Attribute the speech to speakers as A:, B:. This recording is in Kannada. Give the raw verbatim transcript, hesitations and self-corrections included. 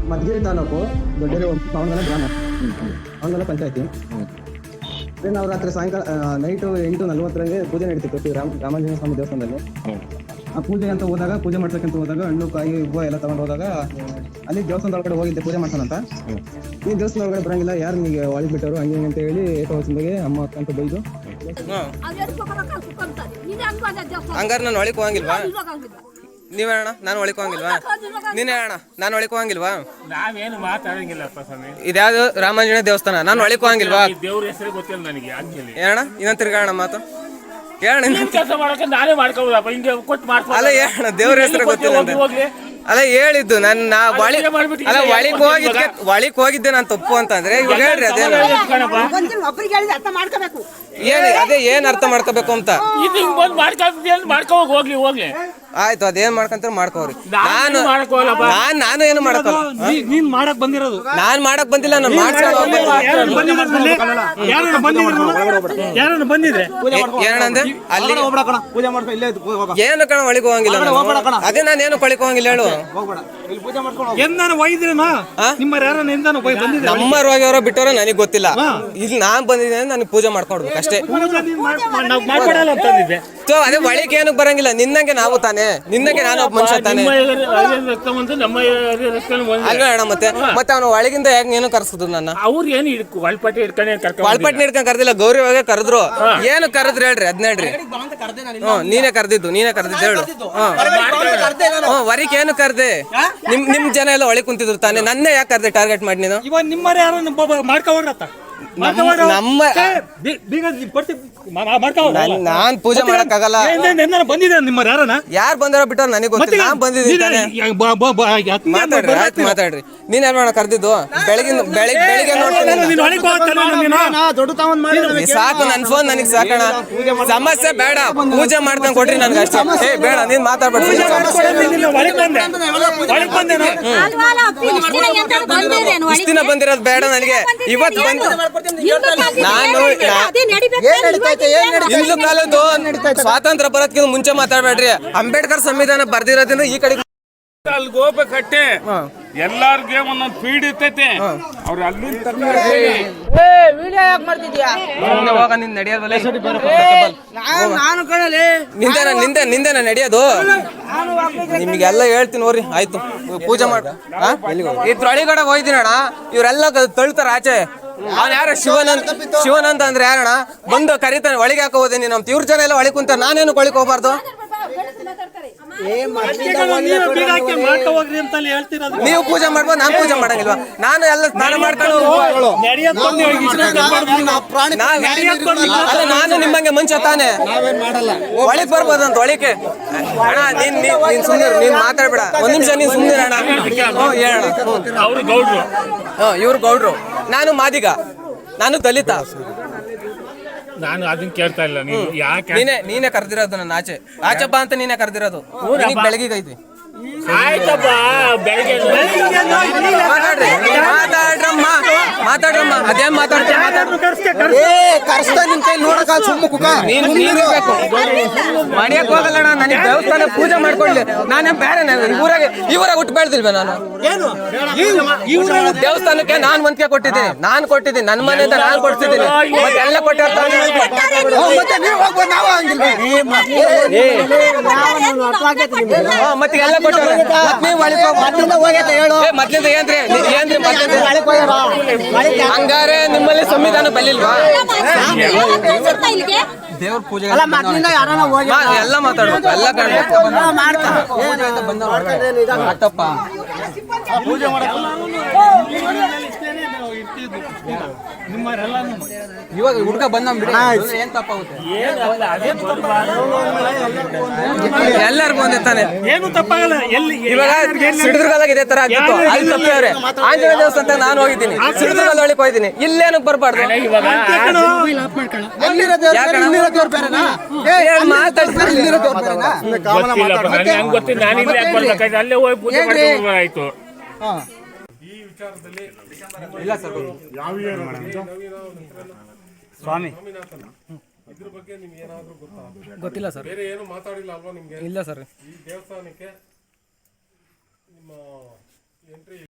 A: ಮಧುಗಿರಿ ತಾಲೂಕು ದೊಡ್ಡೇರಿ ಪಾವನಗಲ ಗ್ರಾಮ, ಪಾವನಗಲ ಪಂಚಾಯತಿ. ಅದೇ ನಾವು ರಾತ್ರಿ ಸಾಯಂಕಾಲ ನೈಟು ಎಂಟು ನಲ್ವತ್ತರಂಗೆ ಪೂಜೆ ನಡೀತಿತ್ತು ರಾಮ ರಾಮಾಂಜನೇಯ ಸ್ವಾಮಿ ದೇವಸ್ಥಾನದಲ್ಲಿ. ಆ ಪೂಜೆ ಅಂತ ಹೋದಾಗ ಪೂಜೆ ಮಾಡ್ಸಕ್ಕಂತ ಹೋದಾಗ ಹಣ್ಣು ಕಾಯಿ ಹೂವು ಎಲ್ಲ ತಗೊಂಡು ಹೋದಾಗ ಅಲ್ಲಿ ದೇವಸ್ಥಾನದ ಒಳಗಡೆ ಹೋಗಿದ್ದೆ ಪೂಜೆ ಮಾಡ್ಸೋಣಂತ. ಈ ದೇವಸ್ಥಾನ ಒಳಗಡೆ ಬರಂಗಿಲ್ಲ, ಯಾರು ನಿಮಗೆ ಒಳಗೆ ಬಿಟ್ಟರು ಹಂಗೆ ಅಂತ ಹೇಳಿ ಏಕವಚನದಾಗೆ ಅಮ್ಮ ಅಕ್ಕ ಅಂತ ಬೈದು.
B: ಹಂಗಾರೆ ನಾನು ಒಳಗೆ ಹೋಗಂಗಿಲ್ವಾ? ನೀವೇ ಅಣ್ಣ ನಾನು ಒಳಗೆ ಹೋಗಂಗಿಲ್ವಾ? ನೀನೇ ಅಣ್ಣ ನಾನು ಒಳಗೆ ಹೋಗಂಗಿಲ್ವಾ?
C: ನಾವೇನು ಮಾತಾಡಂಗಿಲ್ಲಪ್ಪ ಸ್ವಾಮಿ.
B: ಇದ್ಯಾವುದು ರಾಮಾಂಜನೇಯ ದೇವಸ್ಥಾನ, ನಾನು ಒಳಗೆ ಹೋಗಂಗಿಲ್ವಾ?
C: ದೇವ್ರ ಹೆಸರು ಗೊತ್ತಿಲ್ಲ ನನಗೆ.
B: ಏನಣ್ಣ ಇನ್ನೊಂದು ತಿರ್ಗಾಣ ಮಾತು ಹೇಳಣ್ಣ.
C: ಕೆಲಸ ಮಾಡಕ್ಕೆ ನಾನೇ ಮಾಡ್ಕೋಬೋದಪ್ಪ, ಹಿಂಗೆ ಕೊಟ್ಟು ಮಾಡ್ಕೊ.
B: ಅಲ್ಲ ಹೇಳಣ್ಣ, ದೇವ್ರ ಹೆಸರು ಗೊತ್ತಿಲ್ಲ ಅಂತ. ಅಲ್ಲ ಹೇಳಿದ್ದು ನಾನು ನಾ ಒಳಿ ಅಲ್ಲ ಒಳಿಗೆ ಹೋಗಿದ್ದೆ ಒಳಿಗೆ ಹೋಗಿದ್ದೆ ನಾನು ತಪ್ಪು ಅಂತಂದ್ರೆ ಇವಾಗ ಹೇಳ್ರಿ ಅದೇ ಏನ್ ಅದೇ ಏನ್ ಅರ್ಥ ಮಾಡ್ಕೋಬೇಕು ಅಂತ.
C: ಮಾಡ್ಕೋ ಹೋಗ್ಲಿ ಹೋಗ್ಲಿ
B: ಆಯ್ತು, ಅದೇನ್ ಮಾಡ್ಕಂತ ಮಾಡ್ಕೋರಿ. ನಾನು ನಾನ್ ನಾನು ಏನು ಮಾಡಕ್ಕಲ್ಲ.
D: ನೀನ್ ಮಾಡಕ್ ಬಂದಿರೋದು
B: ನಾನ್ ಮಾಡಕ್ ಬಂದಿಲ್ಲ, ನಾನು ಮಾಡ್ಸ್ಕೊಂಡು
D: ಬಂದಿದ್ರೆ
B: ಏನಂದ್ರೆ ಅಲ್ಲಿ
A: ಪೂಜೆ ಮಾಡ್ಕೊ ಇಲ್ಲೇ
B: ಏನು ಕಣ ಒಳಗೆ ಹೋಗಂಗಿಲ್ಲ. ಅದೇ ನಾನು ಏನು ಕೊಳಿಕ್ ಹೋಗಂಗಿಲ್ಲ ಹೇಳು.
D: ಎಂದಾನ ಒಯ್ದ್ರೇನಾ ನಿಮ್ಮ ಯಾರನ್ನ ಎಂದಾನ ಬಂದಿದ್ರೆ
B: ನಮ್ಮ ರೋಗಿಯವರ ಬಿಟ್ಟವರ ನನಗೆ ಗೊತ್ತಿಲ್ಲ. ಇಲ್ಲಿ ನಾನ್ ಬಂದಿದ್ದೇನೆ, ನನಗೆ ಪೂಜೆ ಮಾಡ್ಕೊಡ್ಬೇಕು ಅಷ್ಟೇ. ಅದೇ ಒಳಗೆ ಏನಕ್ಕೆ ಬರಂಗಿಲ್ಲ, ನಿನ್ನಂಗೆ ನಾವು ತಾನೆ, ನಿನ್ನಂಗೆ ನಾನು ಒಬ್ಬ ಮನುಷ್ಯ ತಾನೆ ಅಲ್ವೇ ಅಣ್ಣ. ಮತ್ತೆ ಮತ್ತೆ ಅವನು ಒಳಗಿಂದ ಯಾಕೆ ಏನು ಕರ್ಸಿದ್ರು ನನ್ನ?
C: ಅವ್ರು ಏನು ಒಳಪಟ್ಟಿ ಹಿಡ್ಕೊಂಡು
B: ಒಳಪಟ್ಟಿ ಹಿಡ್ಕೊಂಡು ಕರ್ದಿಲ್ಲ, ಗೌರಿ ಒಳಗೆ ಕರೆದ್ರು. ಏನು ಕರೆದ್ರು ಹೇಳ್ರಿ ಅದ್ನ ಹೇಳ್ರಿ. ಹ್ಮ್ ನೀನೇ ಕರ್ದಿದ್ದು, ನೀನೇ ಕರ್ದಿದ್ದು ಹೇಳು. ಹ್ಮ್ ವರಿಕ್ ಏನು ಕರ್ದೆ? ನಿಮ್ ನಿಮ್ ಜನ ಎಲ್ಲ ಒಳಗೆ ಕುಂತಿದ್ರು ತಾನೆ, ನನ್ನೇ ಯಾಕೆ ಕರ್ದೆ ಟಾರ್ಗೆಟ್ ಮಾಡಿ ನೀನು?
D: ಇವಾಗ ನಿಮ್ಮರ ಯಾರು ಮಾಡ್ಕೋರತ್ತ
B: ನಮ್ಮ ನಾನ್ ಪೂಜೆ ಮಾಡಕ್ ಆಗಲ್ಲ.
D: ಬಂದಿದೆ ನಿಮ್ಮ ಯಾರನ
B: ಯಾರು ಬಂದಾರೋ ಬಿಟ್ಟವ್ರು ನನಗೆ ಗೊತ್ತಿಲ್ಲ. ನಾನ್ ಬಂದಿದ್ದೀನಿ. ಮಾತಾಡ್ರಿ ಆಯ್ತು ಮಾತಾಡ್ರಿ. ನೀನ್ ಏನ್ ಮಾಡ ಕರ್ದಿದ್ದು? ಬೆಳಗಿನ ಬೆಳಿಗ್ಗೆ ಬೆಳಿಗ್ಗೆ ನೋಡ್ತೀನಿ ಸಾಕು. ನನ್ ಫೋನ್ ನನಗ್ ಸಾಕಣ, ಸಮಸ್ಯೆ ಬೇಡ. ಪೂಜೆ ಮಾಡ್ದಂಗ್ ಕೊಟ್ರಿ ನನ್ಗೆ ಅಷ್ಟೇ. ಏ ಬೇಡ ನೀನ್ ಮಾತಾಡ್ಬೇಡಿ. ಇಷ್ಟ ದಿನ ಬಂದಿರೋದು ಬೇಡ ನನಗೆ, ಇವತ್ತು ಬಂದು ನಾನು ಹಿಂದೂ ಕಾಲದ್ದು ಸ್ವಾತಂತ್ರ್ಯ ಬರೋದಕ್ಕಿಂತ ಮುಂಚೆ ಮಾತಾಡ್ಬೇಡ್ರಿ. ಅಂಬೇಡ್ಕರ್ ಸಂವಿಧಾನ ಬರ್ದಿರೋದ್ರಿಂದ ಈ ಕಡೆ
C: ಅಲ್ಲಿಗೆ ಹೋಗ್ಬೇಕಟ್ಟೆ. ಎಲ್ಲಾರ್ಗೆ ಒಂದೊಂದು ಫೀಡ್ ಇರ್ತೈತೆ, ಅವ್ರು ಅಲ್ಲಿಂದ
B: ನಿಂದೇನ ನಿಂದೆ ನಿಂದೇನ ನಡೆಯೋದು. ನಿಮ್ಗೆಲ್ಲ ಹೇಳ್ತೀನಿ ನೋಡ್ರಿ. ಆಯ್ತು ಪೂಜೆ ಮಾಡ ಇದ್ರೊಳಗಡೆ ಹೋಯ್ದಿನಣ್ಣ. ಇವರೆಲ್ಲ ತಳ್ತಾರ ಆಚೆ. ಅವ್ನು ಯಾರ ಶಿವನಂತ ಶಿವನಂತ ಅಂದ್ರೆ ಯಾರಣ್ಣ? ಬಂದು ಕರಿತಾನೆ, ಒಳಗೆ ಹಾಕೋ ಹೋದೆ ನೀನು. ಇವ್ರ ಜನ ಎಲ್ಲ ಒಳಗೆ ಕುಂತ, ನಾನೇನು ಒಳಗೆ ಹೋಗ್ಬಾರ್ದು? ನೀವು ಪೂಜೆ ಮಾಡ್ಬೋದು, ನಾನು ಪೂಜೆ ಮಾಡಂಗಿಲ್ವಾ? ನಾನು ಎಲ್ಲ ಸ್ನಾನ ಮಾಡ್ಕೊಂಡು ಅಲ್ಲ ನಾನು ನಿಮ್ಮಂಗೆ ಮನುಷ್ಯ ತಾನೆ, ಒಳಗೆ ಬರ್ಬೋದಂತ ಒಳಗೆ. ಅಣ್ಣ ನೀನ್ ನೀನ್ ಸುಮ್ಮನೆ ನೀನ್ ಮಾತಾಡ್ಬೇಡ. ಒಂದ್ ನಿಮಿಷ ನೀನ್ ಸುಮ್ಮನೆ ಅಣ್ಣ. ಹ್ಮ್ ಹೇಳಣ್ಣ. ಹ್ಮ್ ಇವ್ರು ಗೌಡ್ರು, ನಾನು ಮಾದಿಗ, ನಾನು ದಲಿತ.
C: ನಾನು ಅದನ್ನ ಕೇಳ್ತಾ ಇಲ್ಲ. ನೀವು ಯಾಕೆ
B: ನೀನೇ ನೀನೇ ಕರೆದಿರೋದು ನನ್ನ ಆಚೆ ಆಚೆ ಬಾ ಅಂತ ನೀನೇ ಕರೆದಿರೋದು. ಬೆಳಗ್ಗೆ ಐತಿ
C: ಆಯ್ತಪ್ಪ, ಬೆಳಗ್ಗೆ
B: ಮಾತಾಡ್ರಿ ಮಾತಾಡ್ರಮ್ಮ ಮಾತಾಡ್ರಮ್ಮ. ಅದೇನ್ ಮಾತಾಡ್ತೀವಿ ನೀನು ನೀನಿರ್ಬೇಕು. ಮಡಿಯಕ್ ಹೋಗಲ್ಲಣ್ಣ, ನನಗೆ ದೇವಸ್ಥಾನ ಪೂಜೆ ಮಾಡ್ಕೊಳ್ಳಿ. ನಾನೇ ಬೇರೆ ಊರಾಗೆ ಇವರಾಗ ಹುಟ್ಟು ಬೆಳ್ದಿಲ್ವ ನಾನು? ದೇವಸ್ಥಾನಕ್ಕೆ ನಾನ್ ವಂತಿಕೆ ಕೊಟ್ಟಿದ್ದೀನಿ, ನಾನ್ ಕೊಟ್ಟಿದ್ದೀನಿ, ನನ್ನ ಮನೆಯಿಂದ ನಾನ್ ಕೊಡ್ತಿದ್ದೀನಿ. ಮತ್ತೆ ಎಲ್ಲ ಕೊಟ್ಟಿರ್ತಾರೆ. ಮತ್ತೆ ಎಲ್ಲ ಕೊಟ್ಟಾರೆ. ಮೊದ್ಲಿಂದ ಏನ್ರಿ ಏನ್ರಿ ಹಂಗಾರೆ ನಿಮ್ಮಲ್ಲಿ ಸಂವಿಧಾನ ಬಲ್ಲಿಲ್ವಾ? ದೇವ್ರ ಪೂಜೆ ಎಲ್ಲ ಮಾತಾಡ್ಬೇಕು, ಎಲ್ಲ ಕಾಣ್ಬೇಕು.
D: ಪೂಜೆ
B: ಇವಾಗ ಹುಡುಗ ಬಂದ ಏನ್ ತಪ್ಪಾಗುತ್ತೆ? ಎಲ್ಲರಿಗೂ ಒಂದೇ ತಾನೆ,
D: ಏನು ತಪ್ಪಾಗಲ್ಲ. ಎಲ್ಲಿ
B: ಇವಾಗ ಸಿಡಿದುರ್ಗದಾಗ ಇದೇ ತರ ಆಗಿತ್ತು, ಅಲ್ಲಿ ತಪ್ಪವ್ರೆ. ಆಂಜನೇಯ ದೇವಸ್ಥಾನ ನಾನು ಹೋಗಿದ್ದೀನಿ, ಸಿಡಿದುರ್ಗದ ಒಳಗೆ ಹೋಗಿದ್ದೀನಿ. ಇಲ್ಲೇನಕ್ ಬರ್ಬಾರ್ದು?
C: ಅಲ್ಲೇ ಹೋಗಿ ಪೂಜೆ ಆಯ್ತು.
B: ಇಲ್ಲ ಸರ್
D: ಸ್ವಾಮಿ
E: ಇದ್ರ ಬಗ್ಗೆ ನಿಮ್ಗೆ ಏನಾದರೂ ಗೊತ್ತಾ?
B: ಗೊತ್ತಿಲ್ಲ ಸರ್.
E: ಬೇರೆ ಏನು ಮಾತಾಡಿಲ್ಲ ಅಲ್ವಾ ನಿಮ್ಗೆ?
B: ಇಲ್ಲ ಸರ್.
E: ಈ ದೇವಸ್ಥಾನಕ್ಕೆ ನಿಮ್ಮ ಎಂಟ್ರಿ